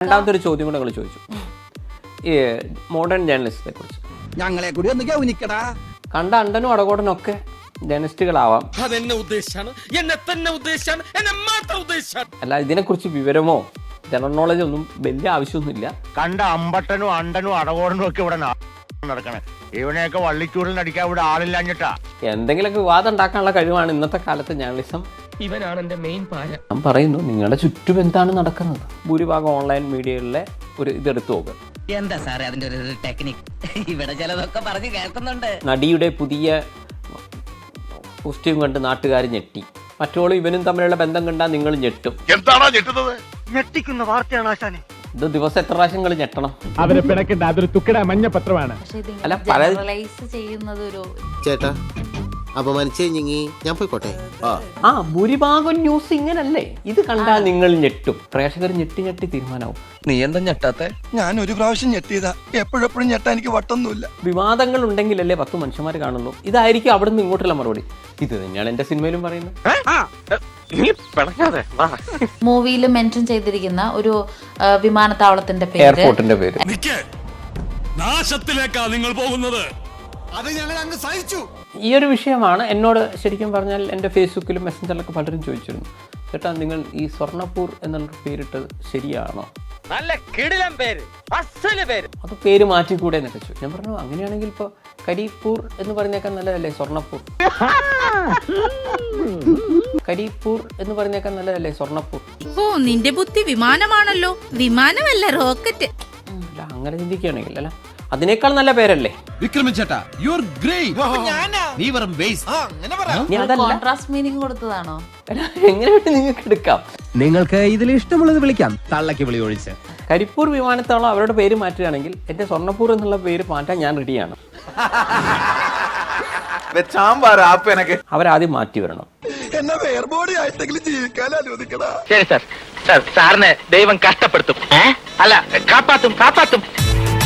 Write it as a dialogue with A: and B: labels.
A: രണ്ടാമത്തെ ഒരു ചോദ്യം കൂടെ നിങ്ങൾ ചോദിച്ചു, ഈ മോഡേൺ ജേർണലിസ്റ്റിനെ കുറിച്ച്.
B: ഞങ്ങളെ കൂടി ഒന്ന് ഗൗനിക്കടാ.
A: കണ്ട അണ്ടനും അടകോടനും ഒക്കെ ജേർണലിസ്റ്റുകളാവാം,
C: അതെന്നെ ഉദ്ദേശാണ്, എന്നെ തന്നെ ഉദ്ദേശാണ്, എന്നെ മാത്രം ഉദ്ദേശാണ്.
A: അല്ല ഇതിനെക്കുറിച്ച് വിവരമോ ജനറൽ നോളജ് ഒന്നും വലിയ ആവശ്യമൊന്നുമില്ല.
D: കണ്ട അമ്പട്ടനും അണ്ടനും അടകോടനും ഒക്കെ ഇവിടെ നടക്കണേ. ഇവനെയൊക്കെ വള്ളിച്ചൂടിൽ നടിക്കാൻ ഇവിടെ ആളില്ലാഞ്ഞിട്ടാ.
A: എന്തെങ്കിലുമൊക്കെ വിവാദം ഉണ്ടാക്കാനുള്ള കഴിവാണ് ഇന്നത്തെ കാലത്ത് ജേർണലിസം.
C: ഇവനാണ് എന്റെ മെയിൻ പാര.
A: ഞാൻ പറയുന്നു, നിങ്ങളുടെ ചുറ്റും എന്താണ് നടക്കുന്നത്? ഭൂരിഭാഗം ഓൺലൈൻ മീഡിയകളിലെ ഒരു ഇതെടുത്തു നോക്കുക.
E: എന്താ സാറേ അതിന്റെ ഒരു ടെക്നിക്? ഇവിടെ ചിലതൊക്കെ പറഞ്ഞു കേൾക്കുന്നുണ്ട്.
A: നടിയുടെ പുതിയ കോസ്റ്റ്യൂം കണ്ട് നാട്ടുകാർ ഞെട്ടി. മറ്റോളും ഇവനും തമ്മിലുള്ള ബന്ധം കണ്ടാൽ നിങ്ങൾ ഞെട്ടും.
D: എന്താണോ ഞെട്ടുന്നത്?
F: ഞെട്ടിക്കുന്ന വാർത്തയാണ് ആശാനെ.
A: ഇത് ദിവസം എത്ര പ്രാവശ്യം നിങ്ങൾ ഞെട്ടണം?
G: അവരെ പിണക്കണ്ട, അതൊരു തുക്കട മഞ്ഞപത്രമാണ്.
A: അല്ല,
H: ചേട്ടാ അപമാനിച്ചു കഴിഞ്ഞെങ്കിൽ ഞാൻ പോയിക്കോട്ടെ.
A: ഭൂരിഭാഗം ന്യൂസ് ഇങ്ങനല്ലേ? ഇത് കണ്ടാൽ നിങ്ങൾ ഞെട്ടും. പ്രേക്ഷകർ ഞെട്ടി ഞെട്ടി തീരുമാനമാവും.
C: നീ എന്താ ഞെട്ടാത്തെ?
B: ഞാൻ ഒരു പ്രാവശ്യം ഞെട്ടിയതാ, എപ്പോഴെപ്പോഴും ഞെട്ടാൻ എനിക്ക് വട്ടൊന്നുമില്ല.
A: വിവാദങ്ങൾ ഉണ്ടെങ്കിലല്ലേ 10 മനുഷ്യന്മാർ കാണുള്ളൂ. ഇതായിരിക്കും അവിടെ നിന്ന് ഇങ്ങോട്ടുള്ള മറുപടി. ഇത് തന്നെയാണ് എന്റെ സിനിമയിലും പറയുന്നത്.
I: മൂവിയിൽ മെൻഷൻ ചെയ്തിരിക്കുന്ന ഒരു വിമാനത്താവളത്തിന്റെ പേര്,
A: എയർപോർട്ടിന്റെ പേര്.
C: നാശത്തിലേക്കാ നിങ്ങൾ പോകുന്നത്.
B: അത് ഞങ്ങൾ അങ്ങ് സഹിച്ചു.
A: ഈ ഒരു വിഷയമാണ് എന്നോട് ശരിക്കും പറഞ്ഞാൽ എൻ്റെ ഫേസ്ബുക്കിലും മെസ്സഞ്ചറിലൊക്കെ പലരും ചോദിച്ചിരുന്നു, ചേട്ടാ നിങ്ങൾ ഈ സ്വർണ്ണപ്പൂർ എന്നുള്ള പേരിട്ടത് ശരിയാണോ?
F: നല്ല കിടിലൻ പേര്, അസല് പേര്.
A: അത് പേര് മാറ്റിക്കൂടെ എന്നൊക്കെ ചോദിച്ചു. ഞാൻ പറഞ്ഞു, അങ്ങനെയാണെങ്കിൽ ഇപ്പോൾ കരിപ്പൂർ എന്ന് പറഞ്ഞേക്കാൻ നല്ലതല്ലേ സ്വർണ്ണപ്പൂർ? കരിപ്പൂർ എന്ന് പറഞ്ഞേക്കാൻ നല്ലതല്ലേ സ്വർണ്ണപ്പൂർ?
I: ഓ നിന്റെ ബുദ്ധി വിമാനമാണല്ലോ. വിമാനമല്ല, റോക്കറ്റ്.
A: അല്ല, അങ്ങനെ ചിന്തിക്കുകയാണെങ്കിൽ അല്ല, അതിനേക്കാൾ നല്ല പേരല്ലേ?
B: വിക്രമൻ ചേട്ടാ, യു ആർ ഗ്രേറ്റ്. നീ വെറും ബേസ്. അങ്ങനെ പറ.
I: കോൺട്രാസ്റ്റ് മീനിങ് കൊടുത്തതാണോ?
A: എങ്ങനെ വേണ്ടി നിങ്ങൾക്ക് എടുക്കാം.
F: നിങ്ങൾക്ക് ഇതിൽ ഇഷ്ടമുള്ളത് വിളിക്കാം, തള്ളക്ക് വിളി ഒഴിച്ച്.
A: കരിപ്പൂർ വിമാനത്താവളം അവരുടെ പേര് മാറ്റുകയാണെങ്കിൽ എന്റെ സ്വർണ്ണപ്പൂർ എന്നുള്ള പേര് മാറ്റാൻ ഞാൻ റെഡിയാണ്. അവരാദ്യം മാറ്റി വരണം.
B: എന്നെ വേർബോഡി ആയിട്ടെങ്കിലും ജീവിക്കാൻ അനുവദിക്കടാ.
F: ശരി സാർ, സാറിനെ ദൈവം കഷ്ടപ്പെടുത്തും. അല്ല, കാപ്പാത്തും.